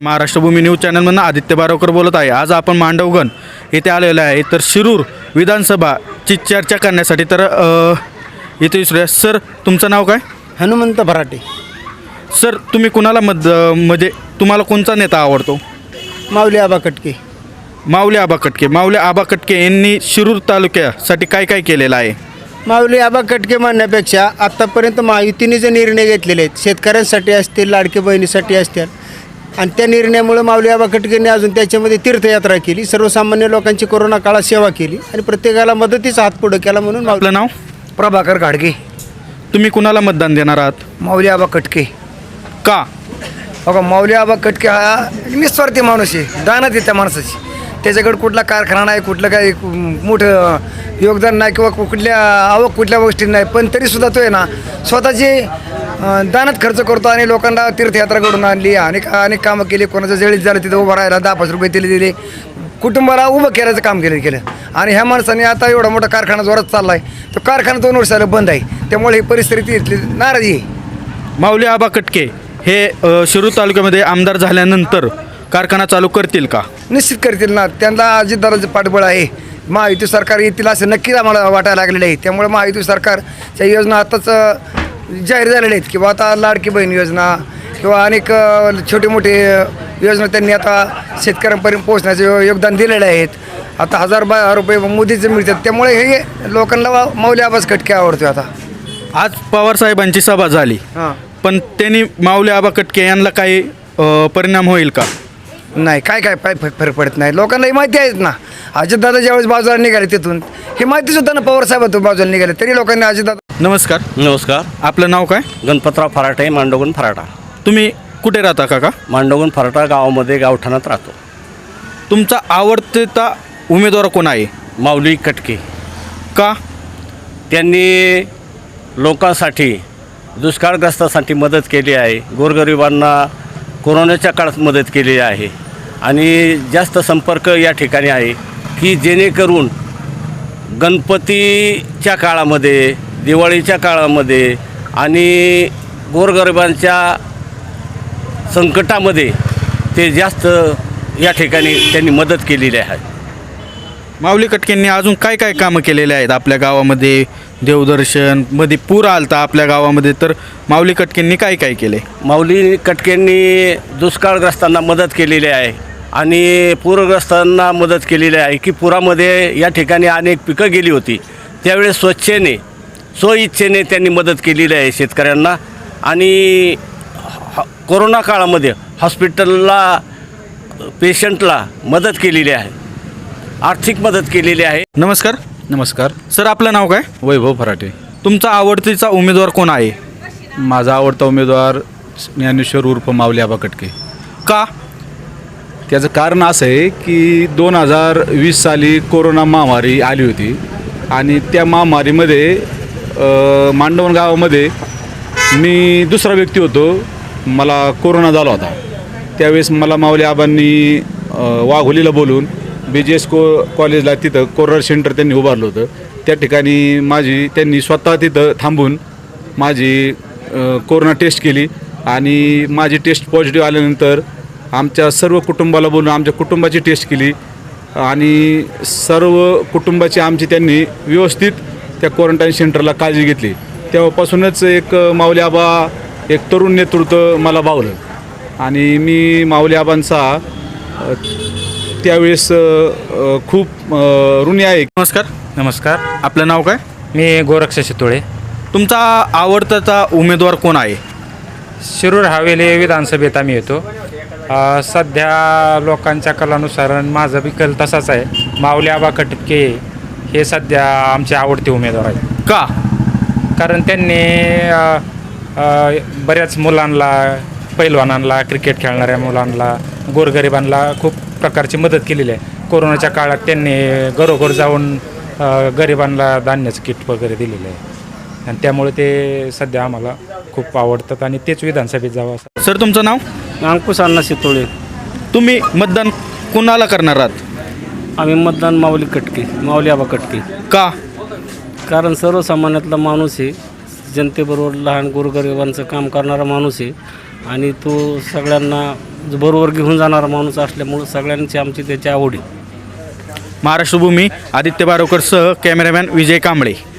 Maharashtra Bhumi news चॅनलमधून आदित्य बारावकर बोलत आहे। आज आपण मांडवगण येथे आलेलो आहे। तर शिरूर विधानसभाची चर्चा करण्यासाठी तर इथे विचारूया। सर तुमचं नाव काय? हनुमंत भराटे। सर तुम्ही कुणाला म्हणजे तुम्हाला कोणता नेता आवडतो? माऊली आबा कटके। माऊली आबा कटके। माऊली आबा कटके यांनी शिरूर तालुक्यासाठी काय काय केलेलं आहे? माऊली आबा कटके म्हणण्यापेक्षा आत्तापर्यंत महायुतीने जे निर्णय घेतलेले आहेत, शेतकऱ्यांसाठी असतील, लाडके बहिणीसाठी असतील, आणि त्या निर्णयामुळे माऊली आबा कटकेंनी अजून त्याच्यामध्ये तीर्थयात्रा केली, सर्वसामान्य लोकांची कोरोना काळात सेवा केली आणि प्रत्येकाला मदतीचा हात पुढे केला। म्हणून आपलं नाव? प्रभाकर घाडगे। तुम्ही कुणाला मतदान देणार आहात? माऊली आबा कटके। का? बघा, माऊली आबा कटके हा निस्वार्थी माणूस आहे, दानच आहे त्या माणसाची। त्याच्याकडे कुठला कारखाना नाही, कुठलं काही मोठं योगदान नाही किंवा कुठल्या आवक कुठल्या गोष्टी नाही, पण तरीसुद्धा तो आहे ना स्वतःची दानात खर्च करतो आणि लोकांना तीर्थयात्रा घडून आणली, अनेक कामं केली। कोणाचं जळीत झालं तिथं उभं राहायला 10-5 रुपये दिले, कुटुंबाला उभं करायचं काम केलं। आणि ह्या माणसाने आता एवढा मोठा कारखाना जोरात चालला आहे, तो कारखाना 2 वर्ष झालं बंद आहे, त्यामुळे ही परिस्थिती इथली नाराजी आहे। माऊली आबा कटके हे शिरूर तालुक्यामध्ये आमदार झाल्यानंतर कारखाना चालू करतील का? निश्चित करतील ना, त्यांना अजितदादांचं पाठबळ आहे। महायुती सरकार येतील असं नक्कीच आम्हाला वाटायला लागलेलं आहे। त्यामुळे महायुती सरकारच्या योजना आताच जाहीर झालेल्या आहेत किंवा आता लाडकी बहीण योजना किंवा अनेक छोटे मोठे योजना त्यांनी आता शेतकऱ्यांपर्यंत पोहोचण्याचं योगदान दिलेलं आहेत। आता 1000 रुपये मोदीचे मिळतात, त्यामुळे हे लोकांना माऊली आबाच कटके आवडतो। आता आज पवारसाहेबांची सभा झाली, पण त्यांनी माऊली आबा कटके यांना काही परिणाम होईल का? नाही, काय फरक पडत नाही। लोकांना ही माहिती आहेच ना, अजितदादा ज्यावेळेस बाजूला निघाले तिथून ही माहिती सुद्धा ना पवारसाहेबातून बाजूला निघाले, तरी लोकांनी अजितदादा। नमस्कार। नमस्कार। आपलं नाव काय? गणपतराव फराटे, मांडवगण फराटा। तुम्ही कुठे राहता काका? मांडवगण फराटा गावामध्ये गावठाणात राहतो। तुमचा आवडता उमेदवार कोण आहे? माऊली कटके। का? त्यांनी लोकांसाठी दुष्काळग्रस्तांसाठी मदत केली आहे, गोरगरिबांना कोरोनाच्या काळात मदत केली आहे आणि जास्त संपर्क या ठिकाणी आहे की जेणेकरून गणपतीच्या काळामध्ये, दिवाळीच्या काळामध्ये आणि गोरगरिबांच्या संकटामध्ये ते जास्त या ठिकाणी त्यांनी मदत केलेली आहे। माऊली कटकेंनी अजून काय काय कामं केलेले आहेत आपल्या गावामध्ये? देवदर्शन मध्ये पूर आलता आपल्या गावामध्ये, तर माऊली कटकेंनी काय काय केले? माऊली कटकेंनी दुष्काळग्रस्तांना मदत केलेली आहे आणि पूरग्रस्तांना मदत केलेली आहे की पुरामध्ये या ठिकाणी अनेक पिकं गेली होती, त्यावेळेस स्वइच्छेने त्यांनी मदत केलेली आहे शेतकऱ्यांना। आणि कोरोना काळामध्ये हॉस्पिटलला पेशंटला मदत केलेली आहे, आर्थिक मदत केलेली आहे। नमस्कार। नमस्कार। सर आपलं नाव काय? वैभव फराटे। तुमचा आवडतीचा उमेदवार कोण आहे? माझा आवडता उमेदवार ज्ञानेश्वर उर्फ माऊली आबा कटके। का? त्याचं कारण असं आहे की 2020 साली कोरोना महामारी आली होती आणि त्या महामारीमध्ये मांडवण गावामध्ये मी दुसरा व्यक्ती होतो, मला कोरोना झाला होता। त्यावेळेस मला माऊली आबांनी वाघोलीला बोलून BGS कॉलेजला तिथं कोरोना सेंटर त्यांनी उभारलं होतं। त्या ठिकाणी त्यांनी स्वतः तिथं थांबून माझी कोरोना टेस्ट केली आणि माझी टेस्ट पॉझिटिव्ह आल्यानंतर आमच्या सर्व कुटुंबाला बोलून आमच्या कुटुंबाची टेस्ट केली आणि सर्व कुटुंबाची आमची त्यांनी व्यवस्थित त्या क्वारंटाईन सेंटरला काळजी घेतली। तेव्हापासूनच एक माऊली आबा एक तरुण नेतृत्व मला भावलं आणि मी माऊली आबांचा त्यावेळेस खूप ऋणी आहे। नमस्कार। नमस्कार। आपलं नाव काय? मी गोरक्ष शितोळे। तुमचा आवडता उमेदवार कोण आहे? शिरूर हवेली विधानसभेत आम्ही येतो। सध्या लोकांच्या कलानुसार माझा बी कल तसाच आहे, माऊली आबा कटके हे सध्या आमचे आवडते उमेदवार आहेत। का? कारण त्यांनी बऱ्याच मुलांना, पैलवानांना, क्रिकेट खेळणाऱ्या मुलांना, गोरगरिबांना खूप प्रकारची मदत केलेली आहे। कोरोनाच्या काळात त्यांनी घरोघर जाऊन गरिबांना धान्याचं किट वगैरे दिलेलं आहे आणि त्यामुळे ते सध्या आम्हाला खूप आवडतात आणि तेच विधानसभेत जावं असं। सर तुमचं नाव? अंकुश अण्णा शितोळे। तुम्ही मतदान कुणाला करणार आहात? आम्ही मतदान माऊली कटके, माऊली आबा कटके। का? कारण सर्वसामान्यातला माणूस आहे, जनतेबरोबर लहान गोरगरिबांचं काम करणारा माणूस आहे आणि तो सगळ्यांना बरोबर घेऊन जाणारा माणूस असल्यामुळं सगळ्यांची आमची त्याची आवड आहे. महाराष्ट्र भूमी आदित्य बारोकर सह कॅमेरामॅन विजय कांबळे.